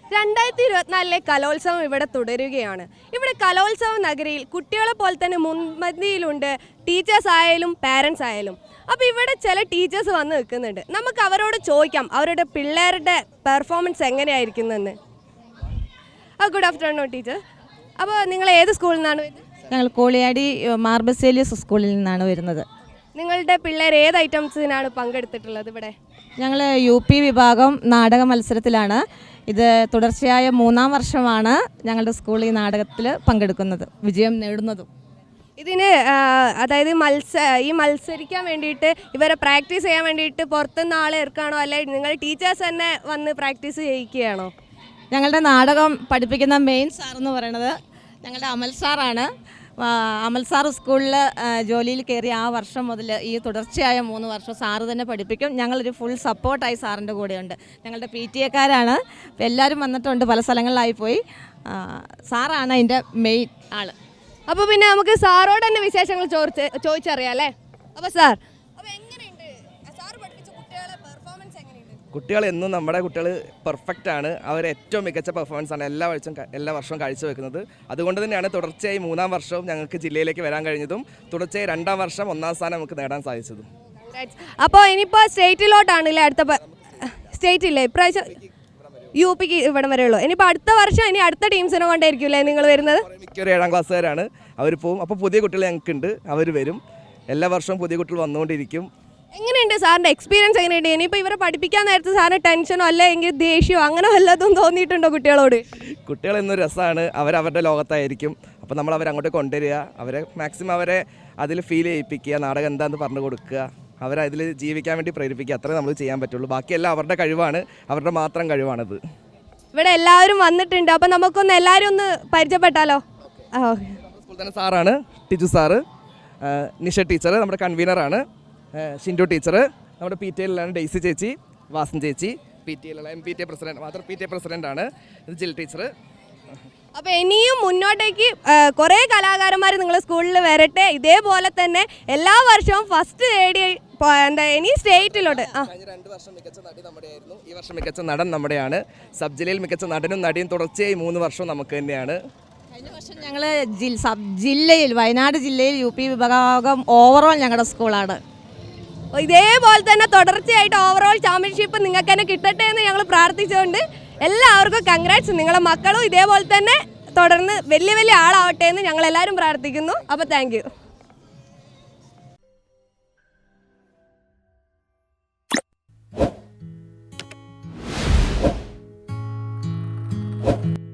2024 കലോത്സവം ഇവിടെ തുടരുകയാണ്. ഇവിടെ കലോത്സവ നഗരിയിൽ കുട്ടികളെ പോലെ തന്നെ മുൻപന്തിയിലുണ്ട് ടീച്ചേഴ്സ് ആയാലും പാരൻസ് ആയാലും. അപ്പോൾ ഇവിടെ ചില ടീച്ചേഴ്സ് വന്ന് നിൽക്കുന്നുണ്ട്. നമുക്ക് അവരോട് ചോദിക്കാം അവരുടെ പിള്ളേരുടെ പെർഫോമൻസ് എങ്ങനെയായിരിക്കുന്നെന്ന്. Good afternoon teacher. അപ്പോൾ നിങ്ങൾ ഏത് സ്കൂളിൽ നിന്നാണ് വരുന്നത്? ഞങ്ങൾ കോളിയാടി മാർബസേലിയസ് സ്കൂളിൽ നിന്നാണ് വരുന്നത്. നിങ്ങളുടെ പിള്ളേർ ഏത് ഐറ്റംസിനാണ് പങ്കെടുത്തിട്ടുള്ളത് ഇവിടെ? ഞങ്ങൾ UP വിഭാഗം നാടക മത്സരത്തിലാണ്. ഇത് തുടർച്ചയായ 3-ാം വർഷമാണ് ഞങ്ങളുടെ സ്കൂൾ ഈ നാടകത്തിൽ പങ്കെടുക്കുന്നത്, വിജയം നേടുന്നതും. ഇതിന് അതായത് ഈ മത്സരിക്കാൻ വേണ്ടിയിട്ട് ഇവരെ പ്രാക്ടീസ് ചെയ്യാൻ വേണ്ടിയിട്ട് പുറത്തുനിന്ന് ആളെ ഇറക്കാണോ അല്ലെങ്കിൽ നിങ്ങൾ ടീച്ചേഴ്സ് തന്നെ വന്ന് പ്രാക്ടീസ് ചെയ്യിക്കുകയാണോ? ഞങ്ങളുടെ നാടകം പഠിപ്പിക്കുന്ന മെയിൻ സാറെന്ന് പറയുന്നത് ഞങ്ങളുടെ അമൽ സാറാണ്. അമൽ സാർ സ്കൂളിൽ ജോലിയിൽ കയറിയ ആ വർഷം മുതൽ ഈ തുടർച്ചയായ 3 വർഷം സാറ് തന്നെ പഠിപ്പിക്കും. ഞങ്ങളൊരു ഫുൾ സപ്പോർട്ടായി സാറിൻ്റെ കൂടെയുണ്ട്. ഞങ്ങളുടെ PTA-ക്കാരാണ്, എല്ലാവരും വന്നിട്ടുണ്ട്, പല സ്ഥലങ്ങളിലായി പോയി. സാറാണ് അതിൻ്റെ മെയിൻ ആൾ. അപ്പോൾ പിന്നെ നമുക്ക് സാറോട് തന്നെ വിശേഷങ്ങൾ ചോദിച്ചറിയാം അല്ലേ? അപ്പോൾ സാർ, കുട്ടികൾ എന്നും നമ്മുടെ കുട്ടികൾ പെർഫെക്റ്റ് ആണ്. അവർ ഏറ്റവും മികച്ച പെർഫോമൻസ് ആണ് എല്ലാ വർഷവും കാഴ്ചവെക്കുന്നത്. അതുകൊണ്ട് തന്നെയാണ് തുടർച്ചയായി 3-ാം വർഷവും ഞങ്ങൾക്ക് ജില്ലയിലേക്ക് വരാൻ കഴിഞ്ഞതും തുടർച്ചയായി 2-ാം വർഷം 1-ാം സ്ഥാനം നമുക്ക് നേടാൻ സാധിച്ചതും. അപ്പോൾ ഇനിയിപ്പോൾ സ്റ്റേറ്റിലോട്ടാണല്ലേ അടുത്ത സ്റ്റേറ്റില്ലേ ഇപ്രാവശ്യം? UPക്ക് ഇവിടം വരെ ഉള്ളൂ. ഇനിയിപ്പോൾ അടുത്ത വർഷം ഇനി അടുത്ത ടീംസിനെ കൊണ്ടായിരിക്കുമല്ലേ നിങ്ങൾ വരുന്നത്? മിക്കൊരു 7-ാം ക്ലാസ്സുകാരാണ്, അവർ പോവും. അപ്പോൾ പുതിയ കുട്ടികൾ ഞങ്ങൾക്കുണ്ട്, അവർ വരും. എല്ലാ വർഷവും പുതിയ കുട്ടികൾ വന്നുകൊണ്ടിരിക്കും. എങ്ങനെയുണ്ട് സാറിൻ്റെ എക്സ്പീരിയൻസ്? എങ്ങനെയുണ്ട്? ഇനിയിപ്പോൾ ഇവരെ പഠിപ്പിക്കാൻ നേരത്തെ സാറിന് ടെൻഷനോ അല്ലെങ്കിൽ ദേഷ്യമോ അങ്ങനെ വല്ലതും തോന്നിയിട്ടുണ്ടോ കുട്ടികളോട്? കുട്ടികൾ എന്നൊരു രസമാണ്, അവരവരുടെ ലോകത്തായിരിക്കും. അപ്പോൾ നമ്മൾ അവരങ്ങോട്ട് കൊണ്ടുവരിക, അവരെ മാക്സിമം അവരെ അതിൽ ഫീൽ ചെയ്യിപ്പിക്കുക, നാടകം എന്താണെന്ന് പറഞ്ഞു കൊടുക്കുക, അവരെ അതിൽ ജീവിക്കാൻ വേണ്ടി പ്രേരിപ്പിക്കുക. അത്രേ നമ്മൾ ചെയ്യാൻ പറ്റുള്ളൂ. ബാക്കിയെല്ലാം അവരുടെ കഴിവാണ്, അവരുടെ മാത്രം കഴിവാണത്. ഇവിടെ എല്ലാവരും വന്നിട്ടുണ്ട്, അപ്പോൾ നമുക്കൊന്ന് എല്ലാവരും ഒന്ന് പരിചയപ്പെട്ടാലോ? സ്കൂൾ തന്നെ സാറാണ്, ടിജു സാറ്, നിഷ ടീച്ചർ നമ്മുടെ കൺവീനറാണ്, ഷിൻഡു ടീച്ചർ, നമ്മുടെ PTA-യിലാണ് ഡെയ്സി ചേച്ചി, വാസൻ ചേച്ചി, PTA-യിലുള്ള MPTA പ്രസിഡന്റ്, മാത്രം PTA പ്രസിഡൻ്റാണ്, ഇത് ജിൽ ടീച്ചർ. അപ്പോൾ ഇനിയും മുന്നോട്ടേക്ക് കുറേ കലാകാരന്മാർ നിങ്ങളുടെ സ്കൂളിൽ വരട്ടെ. ഇതേപോലെ തന്നെ എല്ലാ വർഷവും ഫസ്റ്റ് നേടി ഇനി സ്റ്റേറ്റിലോട്ട്. 2 വർഷം മികച്ച നടി നമ്മുടെയായിരുന്നു, ഈ വർഷം മികച്ച നടൻ നമ്മുടെയാണ്. സബ് ജില്ലയിൽ മികച്ച നടനും നടിയും തുടർച്ചയായി 3 വർഷം നമുക്ക് തന്നെയാണ്. കഴിഞ്ഞ വർഷം ഞങ്ങൾ ജില്ലയിൽ വയനാട് ജില്ലയിൽ UP വിഭാഗം ഓവറോൾ ഞങ്ങളുടെ സ്കൂളാണ്. ഇതേപോലെ തന്നെ തുടർച്ചയായിട്ട് ഓവറോൾ ചാമ്പ്യൻഷിപ്പ് നിങ്ങൾക്ക് തന്നെ കിട്ടട്ടെ എന്ന് ഞങ്ങൾ പ്രാർത്ഥിച്ചുകൊണ്ട് എല്ലാവർക്കും കൺഗ്രാറ്റ്സ്. നിങ്ങളുടെ മക്കളും ഇതേപോലെ തന്നെ തുടർന്ന് വലിയ വലിയ ആളാവട്ടെ എന്ന് ഞങ്ങൾ എല്ലാവരും പ്രാർത്ഥിക്കുന്നു. അപ്പോൾ താങ്ക് യു.